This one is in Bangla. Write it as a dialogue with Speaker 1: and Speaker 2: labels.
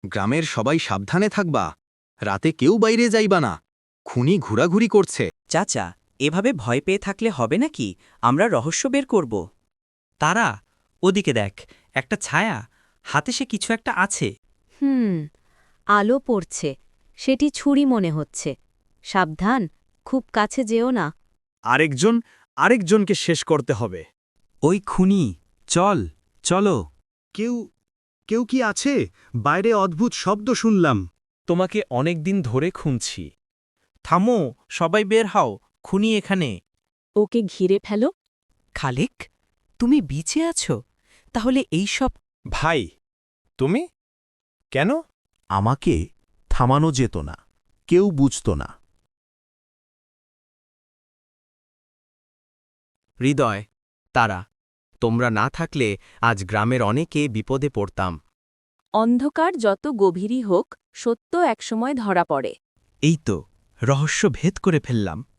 Speaker 1: গ্রামের সবাই সাবধানে থাকবা, রাতে কেউ বাইরে যাইবা না, খুনি ঘোরাঘুরি করছে।
Speaker 2: চাচা, এভাবে ভয় পেয়ে থাকলে হবে নাকি? আমরা রহস্য বের করব।
Speaker 3: তারা, ওদিকে দেখ, একটা ছায়া, হাতে সে কিছু একটা আছে।
Speaker 4: আলো পড়ছে, সেটি ছুরি মনে হচ্ছে। সাবধান, খুব কাছে যেও না।
Speaker 5: আরেকজনকে শেষ করতে হবে।
Speaker 3: ওই খুনি, চলো।
Speaker 5: কেউ কি আছে? বাইরে অদ্ভুত শব্দ শুনলাম।
Speaker 6: তোমাকে অনেক দিন ধরে খুঁজছি। থামো, সবাই বের হও, খুনি এখানে।
Speaker 4: ওকে ঘিরে ফেলো।
Speaker 2: খালিক, তুমি বিচে আছো? তাহলে এই সব
Speaker 5: ভাই, তুমি কেন?
Speaker 7: আমাকে থামানো যেত না, কেউ বুঝত না।
Speaker 8: হৃদয়, তারা, তোমরা না থাকলে আজ গ্রামের অনেকে বিপদে পড়তাম।
Speaker 4: অন্ধকার যত গভীরই হোক, সত্য একসময় ধরা পড়ে।
Speaker 3: এই তো, রহস্য ভেদ করে ফেললাম।